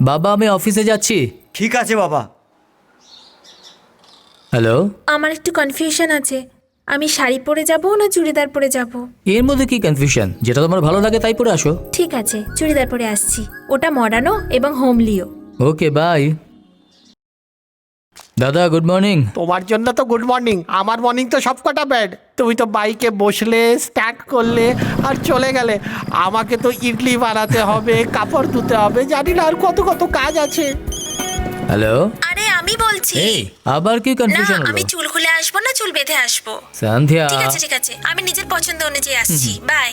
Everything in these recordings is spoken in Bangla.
বাবা আমি অফিসে যাচ্ছি। ঠিক আছে বাবা। হ্যালো, আমার একটু কনফিউশন আছে, আমি শাড়ি পরে যাব না চুড়িদার পরে যাব? এর মধ্যে কি কনফিউশন? যেটা তোমার ভালো লাগে তাই পরে আসো। ঠিক আছে, চুড়িদার পরে আসছি। ওটা মডার্নও এবং হোমলিও। Okay bye. দাদা গুড মর্নিং। তোমার জন্য তো গুড মর্নিং, আমার মর্নিং তো সবকটা ব্যাড। তুমি তো বাইকে বসলে, স্টার্ট করলে আর চলে গেলে। আমাকে তো ইডলি বানাতে হবে, কাপড় ধুতে হবে, জানি না আর কত কত কাজ আছে। হ্যালো, আরে আমি বলছি। এই আবার কি না, কনফিউশন হলো? আমি চুল খুলে আসবো না চুল বেঁধে আসবো? সন্ধ্যা, ঠিক আছে ঠিক আছে, আমি নিজের পছন্দ অনুযায়ী আসছি। বাই।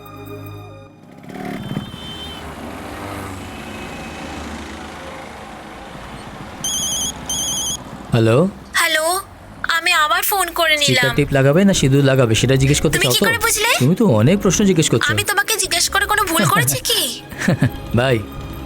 হ্যালো, হ্যালো, আমি আবার ফোন করে স্টিকার নিলাম। টিপ লাগাবে না সিঁদুর লাগাবে সেটা জিজ্ঞেস করতে তুমি চাও কি তো? করে বুঝলে? তুমি তো অনেক প্রশ্ন জিজ্ঞেস করছো। আমি তোমাকে জিজ্ঞেস করে কোনো ভুল করেছি কি? বাই।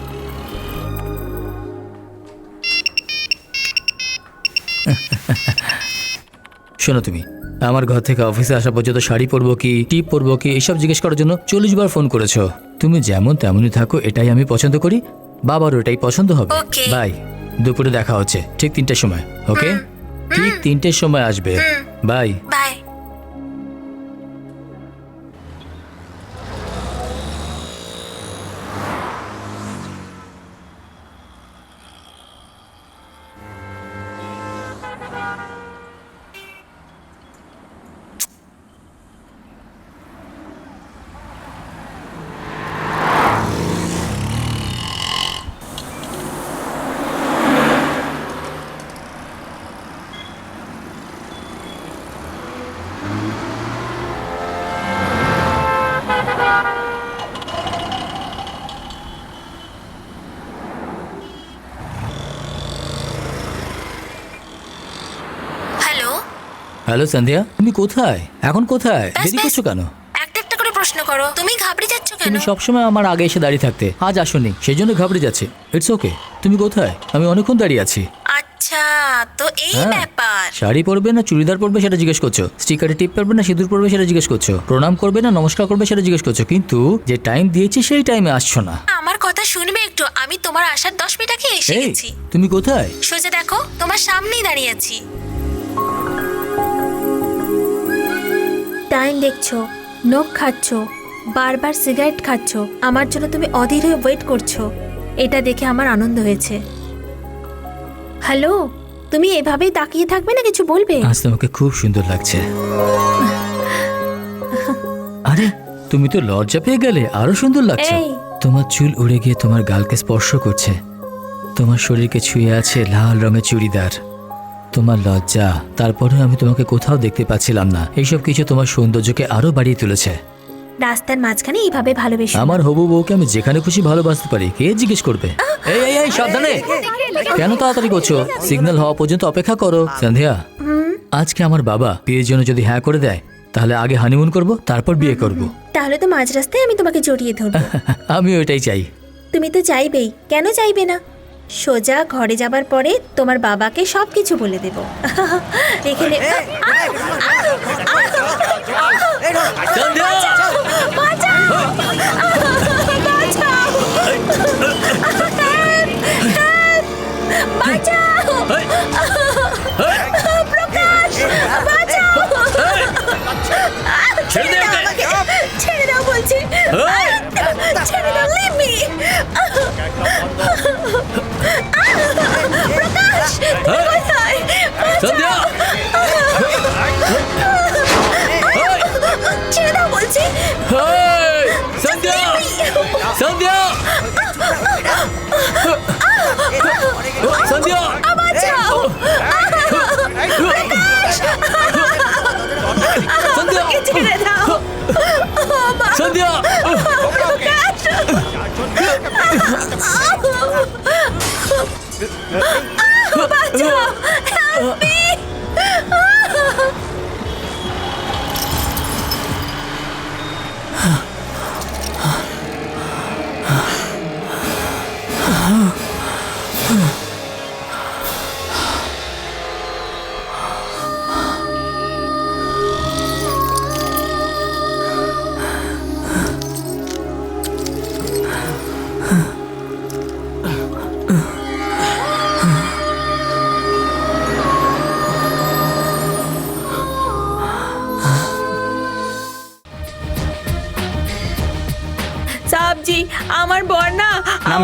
শোনো, তুমি আমার ঘর থেকে অফিসে আসা পর্যন্ত শাড়ি পরবো কি টিপ পরবো কি এইসব জিজ্ঞেস করার জন্য 40 বার ফোন করেছো। তুমি যেমন তেমনই থাকো, এটাই আমি পছন্দ করি, বাবারও এটাই পছন্দ হবে। Okay. বাই। দুপুরে দেখা হচ্ছে ঠিক 3টের সময়। ওকে, ঠিক 3টের সময় আসবে। Bye. Bye. Hello, hello Sandhya, তুমি কোথায়? এখন কোথায়? ব্যাস, দেরি ব্যাস। করছো কেন? একটা একটা করে প্রশ্ন করো। তুমি ঘাবড়ে যাচ্ছ কেন? তুমি সবসময় আমার আগে এসে দাঁড়িয়ে থাকতে, আজ আসোনি, সেই জন্য ঘাবড়ে যাচ্ছে। It's okay. তুমি কোথায়? আমি অনেকক্ষণ দাঁড়িয়ে আছি। আচ্ছা, তো এই হ্যাঁ। ব্যাপার। শাড়ি পরবে না চুড়িদার পরবে সেটা জিজ্ঞেস করছো, স্টিকারে টিপ পরবে না সিঁদুর পরবে সেটা জিজ্ঞেস করছো, প্রণাম করবে না নমস্কার করবে সেটা জিজ্ঞেস করছো, কিন্তু যে টাইম দিয়েছি সেই টাইমে আসছো না। আমার কথা শুনবে একটু? আমি তোমার আসার 10 মিনিট আগে এসে এই গেছি। তুমি কোথায়? সোজা দেখো, তোমার সামনেই দাঁড়িয়ে আছি। টাইম দেখছো, নখ খাচ্ছ, বারবার সিগারেট খাচ্ছ, আমার জন্য তুমি অধীর হয়ে ওয়েট করছো। এটা দেখে আমার আনন্দ হয়েছে। হ্যালো, তুমি এভাবেই তাকিয়ে থাকবে না, কিছু বলবে? আজ তোমাকে খুব সুন্দর লাগছে। আরে তুমি তো লজ্জা পেয়ে গেলে, আরো সুন্দর লাগছে। এই। তোমার চুল উড়ে গিয়ে তোমার গালকে স্পর্শ করছে, তোমার শরীরকে ছুঁয়ে আছে লাল রঙের চুড়িদার। তোমার লজ্জা, তারপরে আমি তোমাকে কোথাও দেখতে পাচ্ছিলাম না। এইসব কিছু তোমার সৌন্দর্যকে আরো বাড়িয়ে তুলেছে। রাস্তার মাঝখানে এইভাবে ভালোবেসো না। আমার হবু বউকে আমি যেখানে খুশি ভালোবাসতে পারি, কে জিজ্ঞেস করবে? এই এই এই সাবধানে, কেন তাড়াতাড়ি করছো? সিগন্যাল হওয়া পর্যন্ত অপেক্ষা করো। সন্ধ্যা, আজকে আমার বাবা বিয়ের জন্য যদি হ্যাঁ করে দেয়, তাহলে আগে হানিমুন করব, তারপর বিয়ে করব। তাহলে তো মাঝ রাস্তায় আমি তোমাকে জড়িয়ে ধরবো। আমি ওইটাই চাই। তুমি তো চাইবেই, কেন চাইবে না? সোজা ঘরে যাবার পরে তোমার বাবাকে সবকিছু বলে দেব। এখানে সন্ধ্যা! ছেড়ে দে ওকে! ছেড়ে দাও বলছি, ছেড়ে দাও, leave me! প্রকাশ, তুমি কোথায়? সন্ধ্যা! ছেড়ে দাও বলছি। হেই! সন্ধ্যা! সন্ধ্যা! সন্ধ্যা! বাঁচাও! সন্ধ্যা! ছেড়ে দাও! সন্ধ্যা! বাঁচাও! Help me!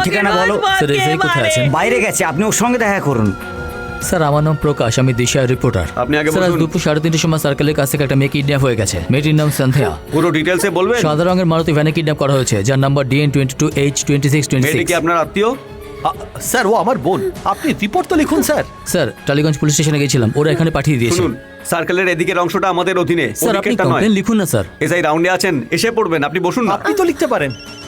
ঠিকানা বলো। স্যার এসআই কোথায় আছেন? বাইরে গেছে, আপনি ওর সঙ্গে দেখা করুন। স্যার আমার নাম প্রকাশ, আমি দিশার রিপোর্টার। আপনি আগে স্যার আজ বলুন। দুপুর 3:30 সময় সার্কেলের কাছে একটা মেয়ে কিডন্যাপ হয়ে গেছে। মেয়েটির নাম সন্ধ্যা। পুরো ডিটেলসে বলবেন? সাদা রঙের মারুতি ভ্যানে কিডন্যাপ করা হয়েছে, যার নাম্বার DN22H2626। মেয়েটি কি আপনার আত্মীয়? স্যার ও আমার বোন, আপনি রিপোর্ট তো লিখুন স্যার। স্যার টালিগঞ্জ পুলিশ স্টেশনে গেছিলাম, ওরা এখানে পাঠিয়ে দিয়েছে। শুনুন, সার্কেলের এদিকের অংশটা আমাদের অধীনে, স্যার আপনি ওদিকেরটা নয়। কমপ্লেন লিখুন না স্যার। এসআই রাউন্ডে আছেন, এসে পড়বেন। আপনি বসুন না। আপনি তো লিখতে পারেন।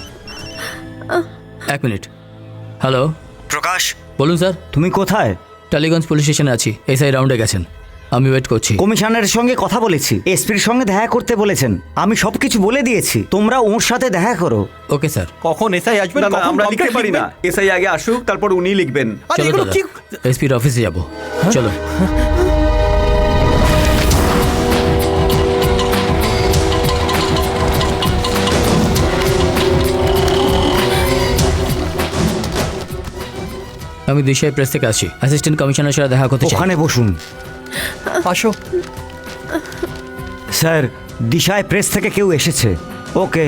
এক মিনিট। হ্যালো, প্রকাশ, বলুন স্যার। তুমি কোথায়? টালিগঞ্জ পুলিশ স্টেশনে আছি, এসআই রাউন্ডে গেছেন, আমি ওয়েট করছি। কমিশনারের সঙ্গে কথা বলেছি, এসপির সঙ্গে দেখা করতে বলেছেন। আমি সবকিছু বলে দিয়েছি, তোমরা ওর সাথে দেখা করো। Okay sir. কখন এসআই আসবেন? না, না, কখন আমরা লিখতে complaint পারি না। লিখবেন? এসআই আগে আসুক, তারপর উনি লিখবেন। আরে চলো এগুলো দাদা, কি? এসপির অফিসে যাব। চলো। আমি দিশাই প্রেস থেকে আসছি, অ্যাসিস্ট্যান্ট কমিশনার সাথে দেখা করতে চাই। ওখানে বসুন। আসো। স্যার, দিশায় প্রেস থেকে কেউ এসেছে। ওকে।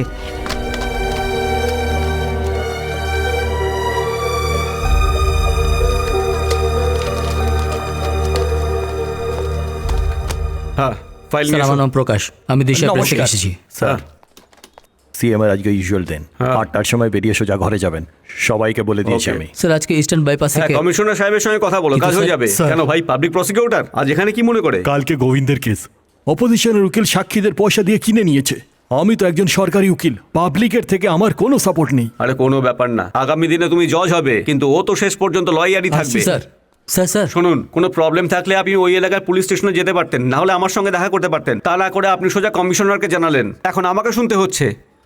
হ্যাঁ, ফাইল স্যার নিয়ে আমার আসুন। নাম প্রকাশ, আমি দিশাই প্রেস থেকে নমস্কার। এসেছি। স্যার, সিএম এর আজকে ইউজুয়াল দিন, হ্যাঁ। 8টার সময় বেরিয়ে সোজা ঘরে যাবেন। সবাইকে বলে দিয়েছি Okay. আমি। স্যার আজকে ইস্টার্ন বাইপাস হ্যাঁ, থেকে কমিশনার সাহেবের সঙ্গে কথা বলো, কিন্তু কাজ হয়ে স্যার- যাবে। স্যার- কেন ভাই, পাবলিক প্রসিকিউটর আজ এখানে কি মনে করে? কালকে গোবিন্দের কেস অপোজিশনের উকিল সাক্ষীদের পয়সা দিয়ে কিনে নিয়েছে। আমি তো একজন সরকারি উকিল, পাবলিকের থেকে আমার কোনো সাপোর্ট নেই। আরে কোনো ব্যাপার না, আগামী দিনে তুমি জজ হবে, কিন্তু ও তো শেষ পর্যন্ত লয়ারই থাকবে। স্যার স্যার স্যার শুনুন, কোনো প্রবলেম থাকলে আপনি ওই এলাকার পুলিশ স্টেশনে যেতে পারতেন, না হলে আমার সঙ্গে দেখা করতে পারতেন। তা না করে আপনি সোজা কমিশনারকে জানালেন, এখন আমাকে শুনতে হচ্ছে।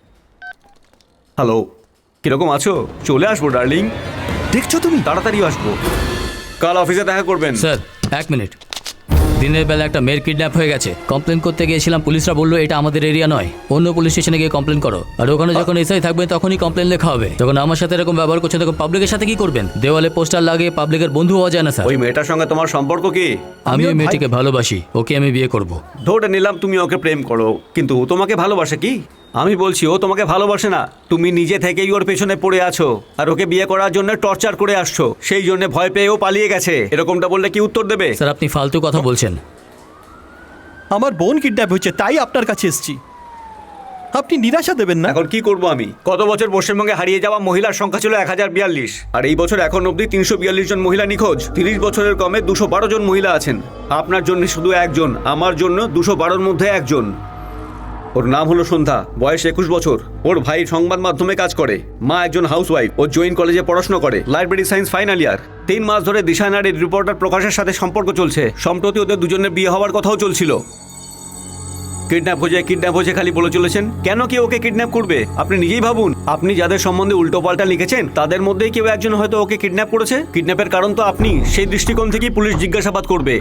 হ্যালো, কিরকম আছো? চলে আসবো ডার্লিং, দেখছো তুমি? তাড়াতাড়ি আসবো। কাল অফিসে দেখা করবেন। স্যার এক মিনিট। দিনের বেলা একটা মেয়ের কিডন্যাপ হয়ে গেছে, কমপ্লেন করতে গিয়েছিলাম, পুলিশরা বললো এটা আমাদের এরিয়া নয়, অন্য পুলিশ স্টেশনে গিয়ে কমপ্লেন করো। আর ওখানে যখন এসআই থাকবে তখনই কমপ্লেন লেখা হবে। যখন আমার সাথে এরকম ব্যবহার করছে তখন পাবলিকের সাথে কি করবেন? দেওয়ালে পোস্টার লাগিয়ে পাবলিকের বন্ধু হওয়া যায় না স্যার। ওই মেয়েটার সঙ্গে তোমার সম্পর্ক কি? আমি ওই ওর মেয়েটিকে ভালোবাসি, ওকে আমি বিয়ে করব। ধরে নিলাম তুমি ওকে প্রেম করো, কিন্তু ও তোমাকে ভালোবাসে কি? আমি বলছি ও তোমাকে ভালোবাসে না, তুমি নিজে থেকেই ওর পেছনে পড়ে আছো আর ওকে বিয়ে করার জন্য টর্চার করে আসছো, সেই জন্য ভয় পেয়ে ও পালিয়ে গেছে। এরকমটা বললে কি উত্তর দেবে? স্যার আপনি ফালতু কথা বলছেন। আমার বোন কিডন্যাপ হয়েছে, তাই আপনার কাছে এসেছি। আপনি নিরাশা দেবেন না। এখন কি করব আমি? গত বছর পশ্চিমবঙ্গে হারিয়ে যাওয়া মহিলার সংখ্যা ছিল 1042, আর এই বছর এখন অবধি 342 জন মহিলা নিখোঁজ। 30 বছরের কমে 212 জন মহিলা আছেন। আপনার জন্য শুধু একজন, আমার জন্য 212-র মধ্যে একজন। ওর নাম হলো সন্ধ্যা, বয়স 21 বছর। ওর ভাই সংবাদ মাধ্যমে কাজ করে, মা একজন হাউসওয়াইফ। ও জৈন কলেজে পড়াশোনা করে, লাইব্রেরি সায়েন্স ফাইনাল ইয়ার। 3 মাস ধরে দিশা নারীর রিপোর্টার প্রকাশের সাথে সম্পর্ক চলছে। সম্প্রতি ওদের দুজনের বিয়ে হওয়ার কথাও চলছিল। কিডন্যাপ হয়েছে খালি বলে চলেছেন। কেন কি ওকে কিডন্যাপ করবে? আপনি নিজেই ভাবুন। আপনি যাদের সম্বন্ধে উল্টোপাল্টা লিখেছেন তাদের মধ্যেই কেউ একজন হয়তো ওকে কিডন্যাপ করেছে। কিডন্যাপের কারণ তো আপনি, সেই দৃষ্টিকোণ থেকেই পুলিশ জিজ্ঞাসাবাদ করবে।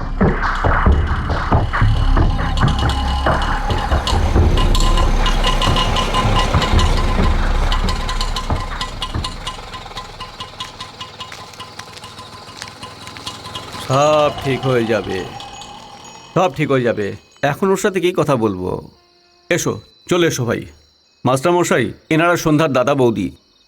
সব ঠিক হয়ে যাবে, সব ঠিক হয়ে যাবে। এখন ওর সাথে কি কথা বলবো? এসো, চলে এসো ভাই। মাস্টার মশাই, এনারা সন্ধ্যার দাদা বৌদি।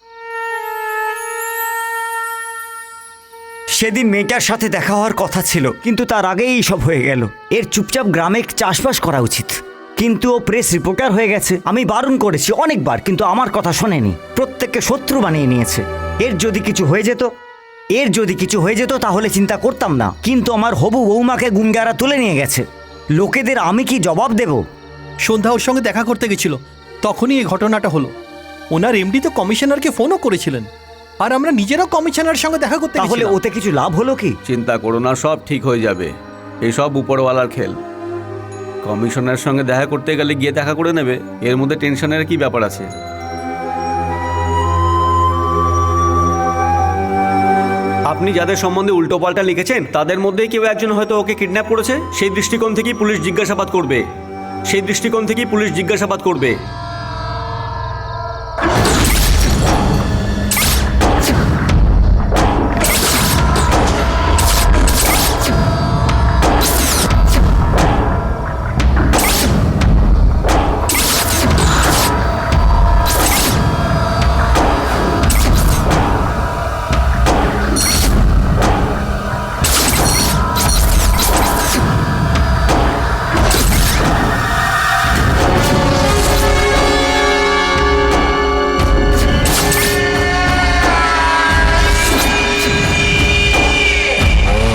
সেদিন মেয়েটার সাথে দেখা হওয়ার কথা ছিল, কিন্তু তার আগেই এইসব হয়ে গেল। এর চুপচাপ গ্রামে চাষবাস করা উচিত, কিন্তু ও প্রেস রিপোর্টার হয়ে গেছে। আমি বারণ করেছি অনেকবার, কিন্তু আমার কথা শোনেনি। প্রত্যেককে শত্রু বানিয়ে নিয়েছে। এর যদি কিছু হয়ে যেত তাহলে চিন্তা করতাম না, কিন্তু আমার হবু বৌমাকে গুন্ডারা তুলে নিয়ে গেছে। লোকেদের আমি কি জবাব দেব? সন্ধ্যা ওর সঙ্গে দেখা করতে গেছিল, তখনই এই ঘটনাটা হলো। ওনার এমডি তো কমিশনারকে ফোনও করেছিলেন, আর আমরা নিজেরাও কমিশনারের সঙ্গে দেখা করতে তাহলে গেছিলাম। ওতে কিছু লাভ হলো কি? চিন্তা করো না, সব ঠিক হয়ে যাবে। এসব উপরওয়ালার খেল। কমিশনারের সঙ্গে দেখা করতে গেলে গিয়ে দেখা করে নেবে, এর মধ্যে টেনশনের কি ব্যাপার আছে? আপনি যাদের সম্বন্ধে উল্টোপাল্টা লিখেছেন তাদের মধ্যেই কেউ একজন হয়তো ওকে কিডন্যাপ করেছে, সেই দৃষ্টিকোণ থেকেই পুলিশ জিজ্ঞাসাবাদ করবে।